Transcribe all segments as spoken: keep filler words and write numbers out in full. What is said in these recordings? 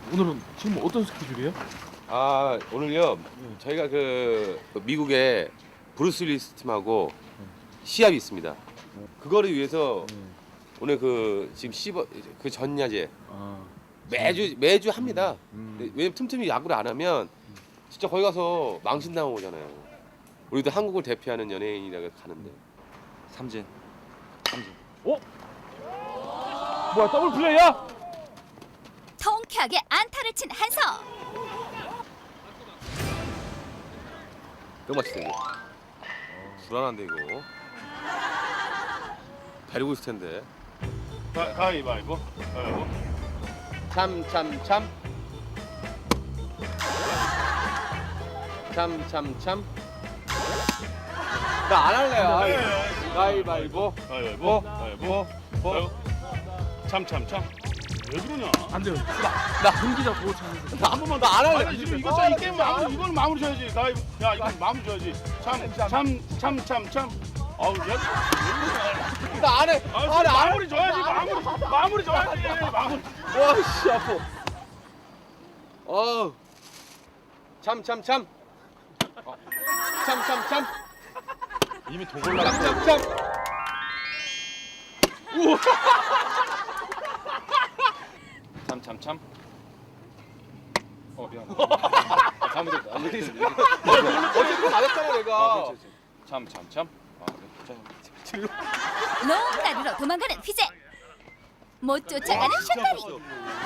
오늘은 지금 어떤 스케줄이에요? 아 오늘요 저희가 그 미국의 브루스 윌리스 팀하고 시합이 있습니다. 그거를 위해서 오늘 그 지금 시버 그 전야제 아, 매주 매주 합니다. 음. 네, 왜냐면 틈틈이 야구를 안 하면 진짜 거기 가서 망신당하고 오잖아요. 우리도 한국을 대표하는 연예인이라고 가는데. 삼진. 삼진. 어? 뭐야 더블 플레이야? 통쾌하게 안타를 친 한서. 또 맞히네 이거. 불안한데 이거. 데리고 있을 텐데. 가, 가위바위보. 가위바위보. 참 참 참. 참 참 참. 나 안 할래요. 네. 가위바위보. 가위바위보. 가위바위보. 뭐? 참참참. 왜 그러냐? 안 돼요. 나, 나 금기자 보호 차는데. 나한 번만 나 안 할래. 아니 지금 이거 이 게임 마무리 이건 마무리 줘야지. 가위. 야 이거 마무리 줘야지. 참 참 참 참 참. 아우 야. 왜 그러냐? 나 안 해. 아, 안 해. 안 해. 마무리 줘야지. 마무리. 마무리 줘야지. 마무리. 와, 씨 아파. 어. 참, 참, 참. 어. 참, 참, 참. 이미 돈 참, 참, 참. 우와. 참참참. 어 미안. 잘못했다. 어쨌든 맞았잖아, 내가. 참참참. 아 그래. 농가루로 도망가는 휘재. 못 쫓아가는 샷다리.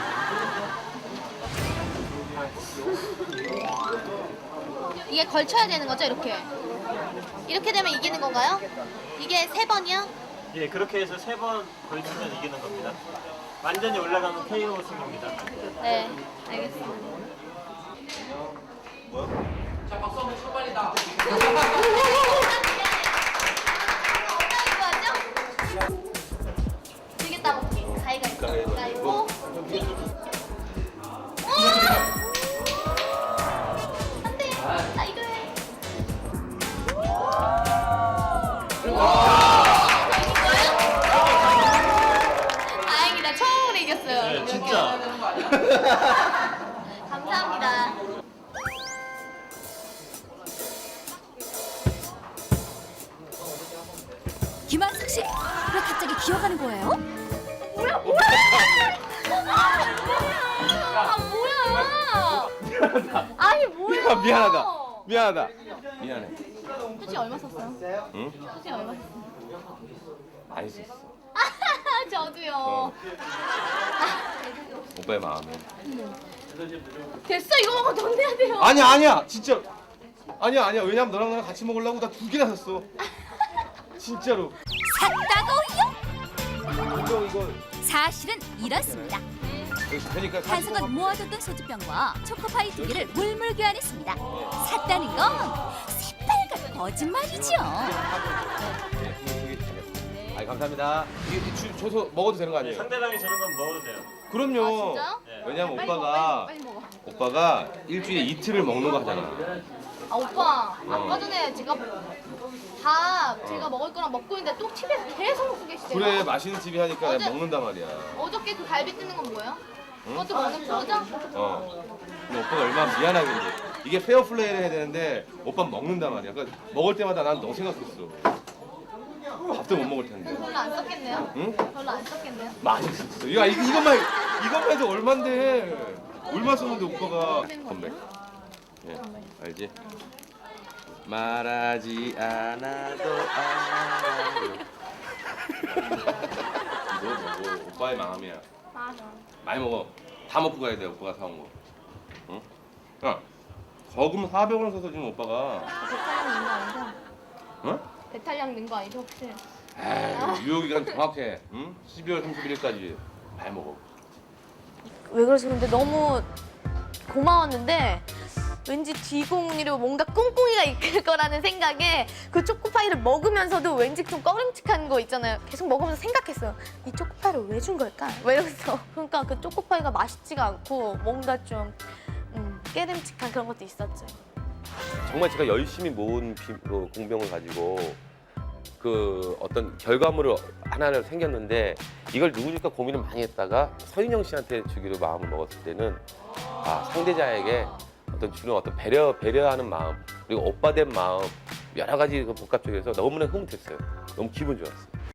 이게 걸쳐야 되는 거죠, 이렇게? 이렇게 되면 이기는 건가요? 이게 세 번이요? 예, 그렇게 해서 세 번 걸치면 이기는 겁니다. 완전히 올라가면 케이오 승입니다. 네, 알겠습니다. 되게 따먹기. 가위가위보. 가위보. 안돼. 나 이거 해. 다행이다. 처음으로 이겼어요. 네, 진짜. 감사합니다. 김한석 씨, 왜 갑자기 기어가는 거예요? 뭐야 뭐야? 아 뭐야? 아니 뭐야? 미안하다. 미안하다. 미안해. 수지 얼마 썼어요? 응? 수지 얼마 썼어요? 많이 썼어. 저도요. 오빠의 마음에. 됐어 이거 먹어 돈 내야 돼요. 아니야, 아니야. 진짜. 아니야, 아니야. 왜냐면 너랑 나랑 같이 먹으려고 나 두 개나 샀어. 진짜로. 샀다고요? 이거 이거. 사실은 이렇습니다. 그러니까 한석은 모아뒀던 소주병과 초코파이 두 개를 물물 교환했습니다. 샀다는 건 새빨간 거짓말이죠. 아, 감사합니다. 이게 주, 줘서 먹어도 되는 거 아니에요? 상대방이 저런 건 먹어도 돼요. 그럼요. 아, 진짜요? 네. 왜냐면 빨리 먹어, 오빠가 빨리 먹어. 오빠가 일주일에 이틀을 먹는 거 하잖아. 아 오빠 어. 아까 전에 제가 밥 제가 먹을 거랑 먹고 있는데 또 팁에서 계속 먹고 계시대요. 그래, 맛있는 집이 하니까 어제- 먹는단 말이야. 어저께 그 갈비 뜯는 건 뭐예요? 그것도 먹는 거죠? 어. 근데 오빠가 얼마나 미안하겠니. 이게 페어 플레이를 해야 되는데 오빠 먹는단 말이야. 그러니까 먹을 때마다 난 너 생각했어. 밥도 못 먹을 텐데. 별로 안 썼겠네요? 응? 별로 안 썼겠네요? 많이 썼어. 이거 이- 이것만 이것만 해도 얼만데. 얼마 썼는데 오빠가 건배. 예, 알지? 말하지 않아도 알아요. 이거 뭐 오빠의 마음이야. 맞아. 많이 먹어. 다 먹고 가야 돼, 오빠가 사온 거. 응? 야, 거금 사백 원 써서 지금 오빠가. 배탈량 넣은 거 아니죠? 응? 배탈량 넣은 거 아니죠 혹시? 에이, 유효기간 정확해. 응? 십이월 삼십일일까지 많이 먹어. 왜 그러지? 근데 너무 고마웠는데 왠지 뒤공이로 뭔가 꿍꿍이가 이끌 거라는 생각에 그 초코파이를 먹으면서도 왠지 좀 꺼림칙한 거 있잖아요. 계속 먹으면서 생각했어요. 이 초코파이를 왜 준 걸까? 왜 이러면서. 그러니까 그 초코파이가 맛있지가 않고 뭔가 좀 음, 깨름칙한 그런 것도 있었죠. 정말 제가 열심히 모은 비, 그 공병을 가지고 그 어떤 결과물을 하나를 생겼는데 이걸 누구 줄까 고민을 많이 했다가 서인영 씨한테 주기로 마음을 먹었을 때는 아 상대자에게 어떤 주는 어떤 배려 배려하는 마음 그리고 오빠 된 마음 여러 가지 그 복합적이어서 너무나 흐뭇했어요. 너무 기분 좋았어요.